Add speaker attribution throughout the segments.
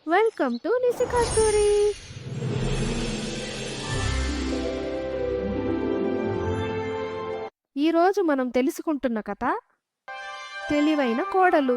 Speaker 1: Welcome to నిశికా story. ఈరోజు మనం తెలుసుకుంటున్న కథ తెలివైన కోడలు.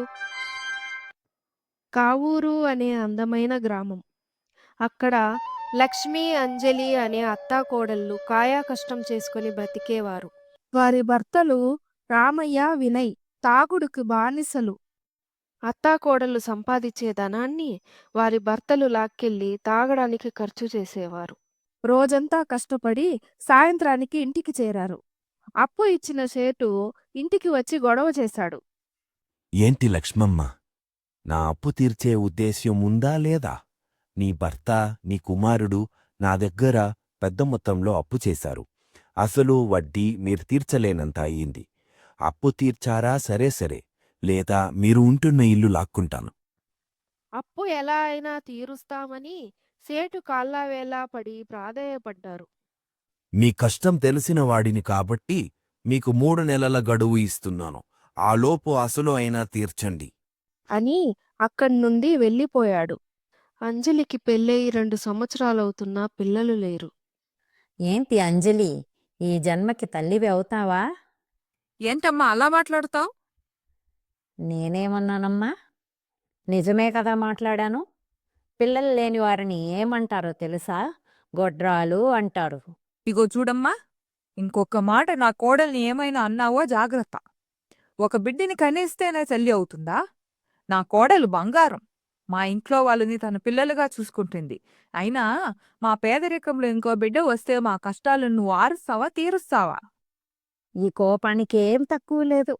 Speaker 1: కావూరు అనే అందమైన గ్రామం. అక్కడ లక్ష్మి, అంజలి అనే అత్తా కోడళ్ళు కాయా కష్టం చేసుకుని బ్రతికేవారు. వారి భర్తలు రామయ్య, వినయ్ తాగుడుకు బానిసలు. అత్తాకోడళ్ళు సంపాదించే ధనాన్ని వారి భర్తలు లాక్కెళ్ళి తాగడానికి ఖర్చు చేసేవారు. రోజంతా కష్టపడి సాయంత్రానికి ఇంటికి చేరారు. అప్పు ఇచ్చిన సేటు ఇంటికి వచ్చి గొడవ చేశాడు.
Speaker 2: ఏంటి లక్ష్మమ్మ, నా అప్పు తీర్చే ఉద్దేశ్యం ఉందా లేదా? నీ భర్త, నీ కుమారుడు నా దగ్గర పెద్ద మొత్తంలో అప్పు చేశారు. అసలు వడ్డీ మీరు తీర్చలేనంత అయింది. అప్పు తీర్చారా సరే సరే, లేదా మీరు ఉంటున్న ఇల్లు లాక్కుంటాను.
Speaker 1: అప్పు ఎలా అయినా తీరుస్తామని సేటు కాళ్ళవేలా పడి ప్రాధేయపడ్డారు.
Speaker 2: మీ కష్టం తెలిసిన వాడిని కాబట్టి మీకు 3 నెలల గడువు ఇస్తున్నాను. ఆలోపు అసలు అయినా తీర్చండి
Speaker 1: అని అక్కడ్నుండి వెళ్ళిపోయాడు. అంజలికి పెళ్ళయి 2 సంవత్సరాలవుతున్నా పిల్లలు లేరు.
Speaker 3: ఏంటి అంజలి, ఈ జన్మకి తల్లివి అవుతావా?
Speaker 4: ఏంటమ్మా అలా మాట్లాడుతావు?
Speaker 3: నేనేమన్నానమ్మా? నిజమే కదా మాట్లాడాను. పిల్లలు లేని వారిని ఏమంటారో తెలుసా? గొడ్రాలు అంటారు.
Speaker 4: ఇగో చూడమ్మా, ఇంకొక మాట నా కోడల్ని ఏమైనా అన్నావో జాగ్రత్త. ఒక బిడ్డని కనేస్తేనే తల్లి అవుతుందా? నా కోడలు బంగారం. మా ఇంట్లో వాళ్ళని తన పిల్లలుగా చూసుకుంటుంది. అయినా మా పేదరికంలో ఇంకో బిడ్డ వస్తే మా కష్టాలను నువ్వు ఆరుస్తావా, తీరుస్తావా?
Speaker 3: ఈ కోపానికి ఏం తక్కువ లేదు.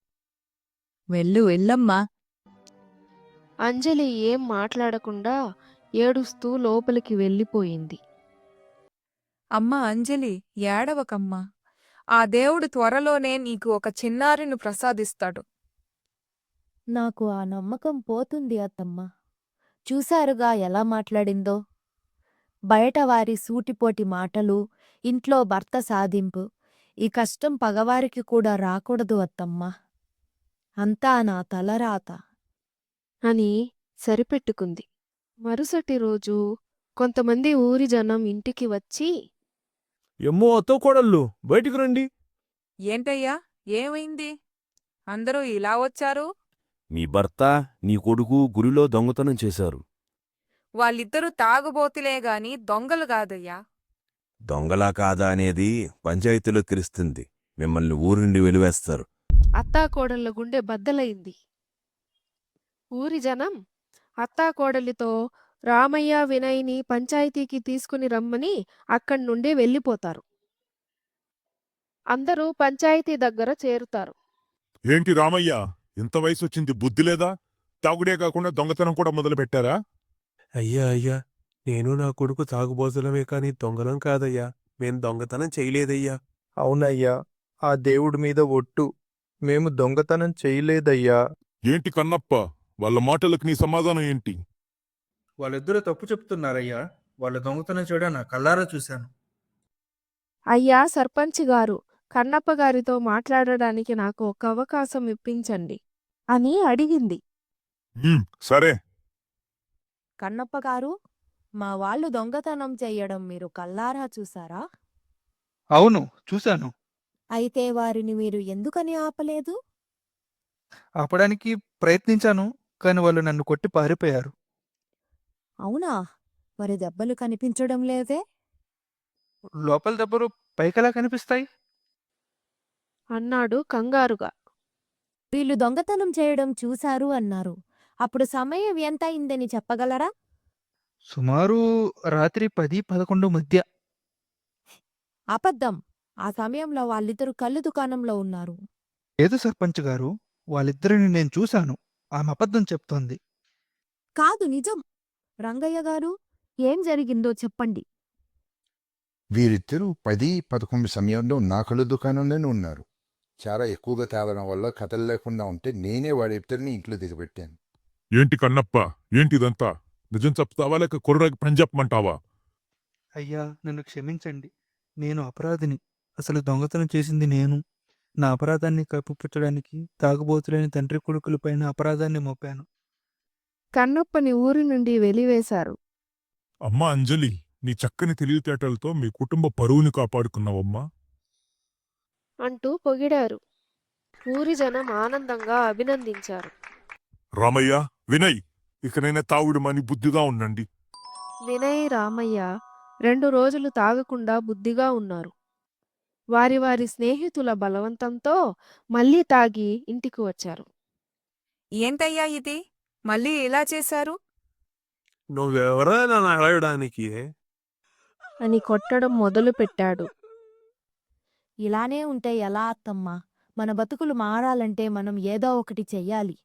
Speaker 4: వెళ్ళమ్మా.
Speaker 1: అంజలి ఏం మాట్లాడకుండా ఏడుస్తూ లోపలికి వెళ్ళిపోయింది.
Speaker 4: అమ్మా అంజలి, ఏడవకమ్మా. ఆ దేవుడు త్వరలోనే నీకు ఒక చిన్నారిని ప్రసాదిస్తాడు.
Speaker 5: నాకు ఆ నమ్మకం పోతుంది అత్తమ్మ. చూశారుగా ఎలా మాట్లాడిందో. బయట వారి సూటిపోటి మాటలు, ఇంట్లో భర్త సాధింపు. ఈ కష్టం పగవారికి కూడా రాకూడదు అత్తమ్మ. అంతా నా తలరాత
Speaker 1: అని సరిపెట్టుకుంది. మరుసటి రోజు కొంతమంది ఊరి జనం ఇంటికి వచ్చి,
Speaker 6: ఎమ్మో అత్తో కోడళ్ళు బయటికి రండి.
Speaker 4: ఏంటయ్యా, ఏమైంది? అందరూ ఇలా వచ్చారు?
Speaker 2: మీ భర్త, నీ కొడుకు గురిలో దొంగతనం చేశారు.
Speaker 4: వాళ్ళిద్దరూ తాగుబోతులే గాని దొంగలు కాదయ్యా.
Speaker 2: దొంగలా కాదా అనేది పంచాయతీలో తెలుస్తుంది. మిమ్మల్ని ఊరి నుండి వెలివేస్తారు.
Speaker 1: అత్తాకోడళ్ళ గుండె బద్దలైంది. ఊరి జనం అత్తాకోడలితో రామయ్య, వినయ్ని పంచాయతీకి తీసుకుని రమ్మని అక్కడ్నుండి వెళ్ళిపోతారు. అందరూ పంచాయతీ దగ్గర చేరుతారు.
Speaker 7: ఏంటి రామయ్య, ఇంత వయసొచ్చింది, బుద్ధి లేదా? తాగుడే కాకుండా దొంగతనం కూడా మొదలుపెట్టారా?
Speaker 6: అయ్యా అయ్యా, నేను నా కొడుకు తాగుబోతులమే కాని దొంగలం కాదయ్యా. మేం దొంగతనం చేయలేదయ్యా.
Speaker 8: అవునయ్యా, ఆ దేవుడి మీద ఒట్టు, మేము దొంగతనం చేయలేదయ్యా.
Speaker 7: ఏంటి కన్నప్ప, వాళ్ళ మాటలకు నీ సమాధానం ఏంటి?
Speaker 9: వాళ్ళిద్దరూ తప్పు చెప్తున్నారయ్యా. వాళ్ళ దొంగతనం చేయడం నా కళ్ళారా చూశాను.
Speaker 1: అయ్యా సర్పంచ్ గారు, కన్నప్ప గారితో మాట్లాడడానికి నాకు ఒక అవకాశం ఇప్పించండి అని అడిగింది.
Speaker 7: సరే.
Speaker 5: కన్నప్పగారు, మా వాళ్ళు దొంగతనం చెయ్యడం మీరు కల్లారా చూసారా?
Speaker 9: అవును, చూశాను.
Speaker 5: అయితే వారిని మీరు ఎందుకని ఆపలేదు?
Speaker 9: ఆపడానికి ప్రయత్నించాను, కాని వాళ్ళు నన్ను కొట్టి పారిపోయారు.
Speaker 5: అవునా? మరి దెబ్బలు కనిపించడం లేదే?
Speaker 9: లోపల దెబ్బలు పైకెలా కనిపిస్తాయి?
Speaker 1: అన్నాడు కంగారుగా.
Speaker 5: వీళ్ళు దొంగతనం చేయడం చూశారు అన్నారు. అప్పుడు సమయం ఎంత అయిందని చెప్పగలరా?
Speaker 9: సుమారు రాత్రి 10-11 మధ్య.
Speaker 5: అబద్ధం. ఆ సమయంలో వాళ్ళిద్దరూ కళ్ళు దుకాణంలో ఉన్నారు.
Speaker 9: లేదు సర్పంచ్ గారు, వాళ్ళిద్దరిని నేను చూశాను. ఆమె అబద్ధం చెప్తోంది.
Speaker 5: కాదు, నిజం. రంగయ్య గారు, ఏం జరిగిందో చెప్పండి.
Speaker 10: వీరిద్దరూ 10-11 సమయంలో నా కళ్ళు దుకాణంలోనే ఉన్నారు. చాలా ఎక్కువగా తాగడం వల్ల కథలు లేకుండా ఉంటే నేనే వాడిద్దరిని ఇంట్లో దిగబెట్టాను.
Speaker 7: ఏంటి కన్నప్ప, ఏంటిదంతా? నిజం చెప్తావా లేక కుర్రకి పని చెప్పమంటావా?
Speaker 9: అయ్యా, నన్ను క్షమించండి. నేను అపరాధిని. అసలు దొంగతనం చేసింది నేను. నా అపరాధాన్ని కప్పిపుచ్చడానికి తాగుబోతులేని తండ్రి కొడుకులపైన అపరాధాన్ని మోపాను.
Speaker 1: కన్నప్పని ఊరి నుండి వెలివేశారు.
Speaker 7: అమ్మా అంజలి, నీ చక్కని తెలివితేటలతో మీ కుటుంబ పరువుని కాపాడుకున్నావమ్మా.
Speaker 1: అంటూ పొగిడారు. ఊరి జనం ఆనందంగా అభినందించారు.
Speaker 7: రామయ్య, వినయ్, ఇకనైనా తావుడు మని బుద్ధిగా ఉండండి.
Speaker 1: వినయ్, రామయ్య 2 రోజులు తాగకుండా బుద్ధిగా ఉన్నారు. వారి వారి స్నేహితుల బలవంతంతో మళ్ళీ తాగి ఇంటికి వచ్చారు.
Speaker 4: ఏంటయ్యా ఇది మళ్ళీ ఇలా చేశారు?
Speaker 6: నువ్వెవరా నన్ను అడగడానికి?
Speaker 1: అని కొట్టడం మొదలుపెట్టాడు.
Speaker 5: ఇలానే ఉంటే ఎలా అత్తమ్మా? మన బతుకులు మారాలంటే మనం ఏదో ఒకటి చెయ్యాలి.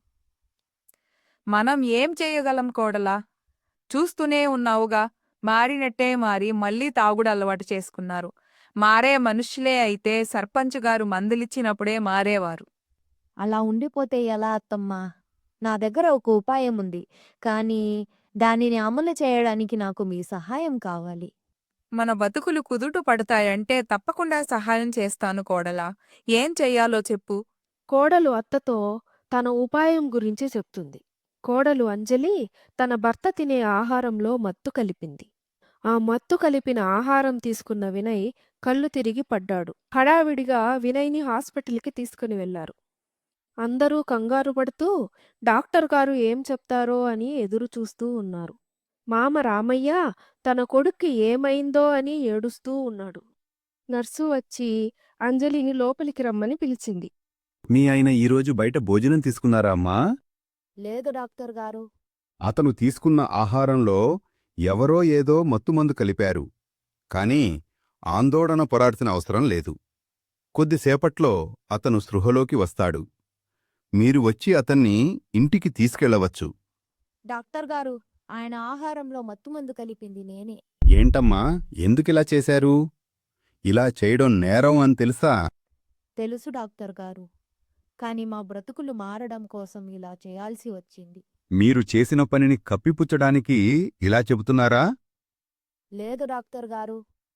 Speaker 4: మనం ఏం చేయగలం కోడలా? చూస్తూనే ఉన్నావుగా, మారినట్టే మారి మళ్ళీ తాగుడు అలవాటు చేసుకున్నారు. మారే మనుషులే అయితే సర్పంచ్ గారు మందులిచ్చినప్పుడే మారేవారు.
Speaker 5: అలా ఉండిపోతే ఎలా అత్తమ్మా? నా దగ్గర ఒక ఉపాయం ఉంది. కానీ దానిని అమలు చేయడానికి నాకు మీ సహాయం కావాలి.
Speaker 4: మన బతుకులు కుదుట పడతాయంటే తప్పకుండా సహాయం చేస్తాను కోడలా. ఏం చెయ్యాలో చెప్పు.
Speaker 1: కోడలు అత్తతో తన ఉపాయం గురించి చెప్తుంది. కోడలు అంజలి తన భర్త తినే ఆహారంలో మత్తు కలిపింది. ఆ మత్తు కలిపిన ఆహారం తీసుకున్న వినయ్ కళ్ళు తిరిగి పడ్డాడు. హడావిడిగా వినయ్ని హాస్పిటల్కి తీసుకుని వెళ్లారు. అందరూ కంగారు పడుతూ డాక్టర్ గారు ఏం చెప్తారో అని ఎదురు చూస్తూ ఉన్నారు. మామ రామయ్య తన కొడుక్కి ఏమైందో అని ఏడుస్తూ ఉన్నాడు. నర్సు వచ్చి అంజలిని లోపలికి రమ్మని పిలిచింది.
Speaker 11: మీ ఆయన ఈరోజు బయట భోజనం తీసుకున్నారా అమ్మా?
Speaker 5: లేదు డాక్టర్ గారు.
Speaker 11: అతను తీసుకున్న ఆహారంలో ఎవరో ఏదో మత్తుమందు కలిపారు. కాని ఆందోళన పొరాల్సిన అవసరం లేదు. కొద్దిసేపట్లో అతను స్పృహలోకి వస్తాడు. మీరు వచ్చి అతన్ని ఇంటికి తీసుకెళ్లవచ్చు.
Speaker 5: డాక్టర్ గారు, ఆయన ఆహారంలో మత్తుమందు కలిపింది నేనే.
Speaker 11: ఏంటమ్మా, ఎందుకిలా చేశారు? ఇలా చేయడం నేరం అని తెలుసా?
Speaker 5: తెలుసు డాక్టర్ గారు. కాని మా బ్రతుకులు మారడం కోసం ఇలా చేయాల్సి వచ్చింది.
Speaker 11: మీరు చేసిన పనిని కప్పిపుచ్చడానికి ఇలా చెబుతున్నారా?
Speaker 5: లేదు డాక్టర్ గారు.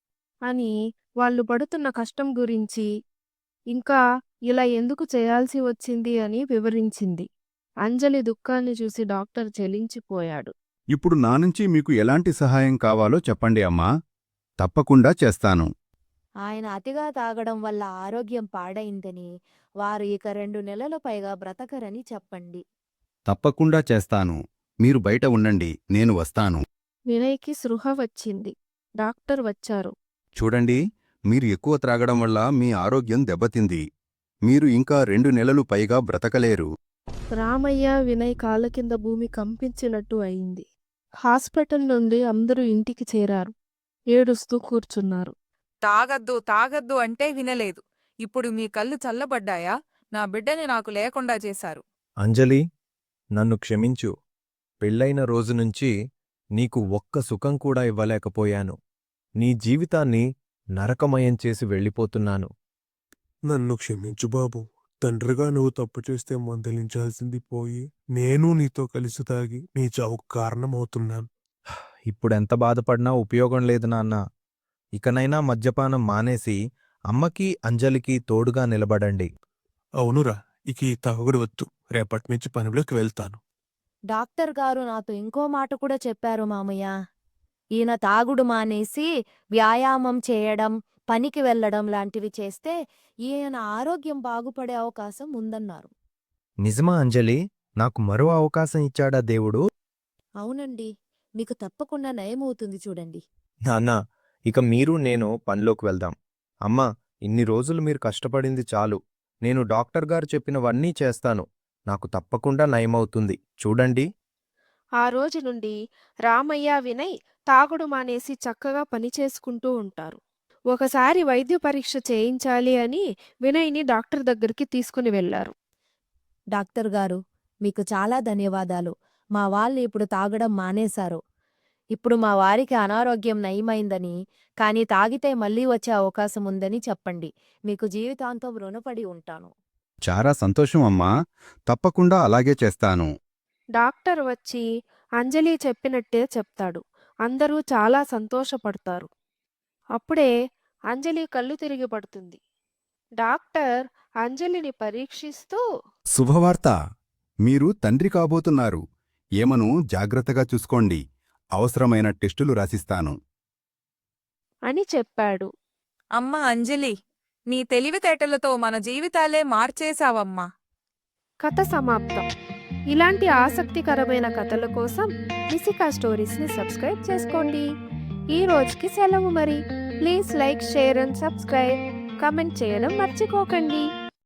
Speaker 1: అని వాళ్ళు పడుతున్న కష్టం గురించి, ఇంకా ఇలా ఎందుకు చేయాల్సి వచ్చింది అని వివరించింది. అంజలి దుఃఖాన్ని చూసి డాక్టర్ చలించిపోయాడు.
Speaker 11: ఇప్పుడు నా నుంచి మీకు ఎలాంటి సహాయం కావాలో చెప్పండి అమ్మా. తప్పకుండా చేస్తాను.
Speaker 5: ఆయన అతిగా తాగడం వల్ల ఆరోగ్యం పాడైందని, వారు ఇక 2 నెలల పైగా బ్రతకరని చెప్పండి.
Speaker 11: తప్పకుండా చేస్తాను. మీరు బయట ఉండండి, నేను వస్తాను.
Speaker 1: వినయ్కి స్పృహ వచ్చింది. డాక్టర్ వచ్చారు.
Speaker 11: చూడండి, మీరు ఎక్కువ త్రాగడం వల్ల మీ ఆరోగ్యం దెబ్బతింది. మీరు ఇంకా 2 నెలలు పైగా బ్రతకలేరు.
Speaker 1: రామయ్య, వినయ్ కాళ్ళ కింద భూమి కంపించినట్టు అయింది. హాస్పిటల్ నుండి అందరూ ఇంటికి చేరారు. ఏడుస్తూ కూర్చున్నారు.
Speaker 4: తాగద్దు తాగద్దు అంటే వినలేదు. ఇప్పుడు మీ కళ్ళు చల్లబడ్డాయా? నా బిడ్డని నాకు లేకుండా చేశారు.
Speaker 12: అంజలి, నన్ను క్షమించు. పెళ్ళైన రోజునుంచి నీకు ఒక్క సుఖం కూడా ఇవ్వలేకపోయాను. నీ జీవితాన్ని నరకమయం చేసి వెళ్ళిపోతున్నాను.
Speaker 6: నన్ను క్షమించు బాబు. తండ్రిగా నువ్వు తప్పు చేస్తే మందలించాల్సింది పోయి నేను నీతో కలిసి తాగి నీ చావుకు కారణమవుతున్నాను.
Speaker 12: ఇప్పుడెంత బాధపడినా ఉపయోగం లేదు నాన్నా. ఇకనైనా మద్యపానం మానేసి అమ్మకి అంజలికి తోడుగా నిలబడండి.
Speaker 6: అవునురా, ఇక ఈ తాగుడు వద్దు. రేపటినుంచి పనిలోకి వెళ్తాను.
Speaker 5: డాక్టర్ గారు నాతో ఇంకో మాట కూడా చెప్పారు మామయ్య. ఈయన తాగుడు మానేసి వ్యాయామం చేయడం, పనికి వెళ్లడం లాంటివి చేస్తే ఈయన ఆరోగ్యం బాగుపడే అవకాశం ఉందన్నారు.
Speaker 12: నిజమా అంజలి? నాకు మరో అవకాశం ఇచ్చాడా దేవుడు?
Speaker 5: అవునండి, మీకు తప్పకుండా నయమవుతుంది చూడండి.
Speaker 12: నాన్నా, ఇక మీరు నేను పనిలోకి వెళ్దాం. అమ్మా, ఇన్ని రోజులు మీరు కష్టపడింది చాలు. నేను డాక్టర్ గారు చెప్పినవన్నీ చేస్తాను. నాకు తప్పకుండా నయమవుతుంది. చూడండి.
Speaker 1: ఆ రోజు నుండి రామయ్య, వినయ్ తాగుడు మానేసి చక్కగా పనిచేసుకుంటూ ఉంటారు. ఒకసారి వైద్య పరీక్ష చేయించాలి అని వినయ్ని డాక్టర్ దగ్గరికి తీసుకుని వెళ్లారు.
Speaker 5: డాక్టర్ గారు, మీకు చాలా ధన్యవాదాలు. మా వాళ్ళు ఇప్పుడు తాగడం మానేశారు. ఇప్పుడు మా వారికి అనారోగ్యం నయమైందని, కానీ తాగితే మళ్ళీ వచ్చే అవకాశం ఉందని చెప్పండి. మీకు జీవితాంతం రుణపడి ఉంటాను.
Speaker 11: చాలా సంతోషం అమ్మా. తప్పకుండా అలాగే చేస్తాను.
Speaker 1: డాక్టర్ వచ్చి అంజలి చెప్పినట్టే చెప్తాడు. అందరూ చాలా సంతోషపడతారు. అప్పుడే అంజలి కళ్ళు తిరిగి పడుతుంది. డాక్టర్ అంజలిని పరీక్షిస్తూ,
Speaker 11: శుభవార్త! మీరు తండ్రి కాబోతున్నారు. ఏమను జాగ్రత్తగా చూసుకోండి. అవసరమైన టెస్టులు రాసిస్తాను.
Speaker 1: అని చెప్పాడు.
Speaker 4: అమ్మ అంజలి, నీ తెలివితేటలతో మన జీవితాలే మార్చేశావమ్మా.
Speaker 1: కథ సమాప్తం. ఇలాంటి ఆసక్తికరమైన కథల కోసం మిసికా స్టోరీస్ని సబ్స్క్రైబ్ చేసుకోండి. ఈ రోజుకి సెలవు మరి. Please like, share and subscribe. Comment చేయడం మర్చిపోకండి.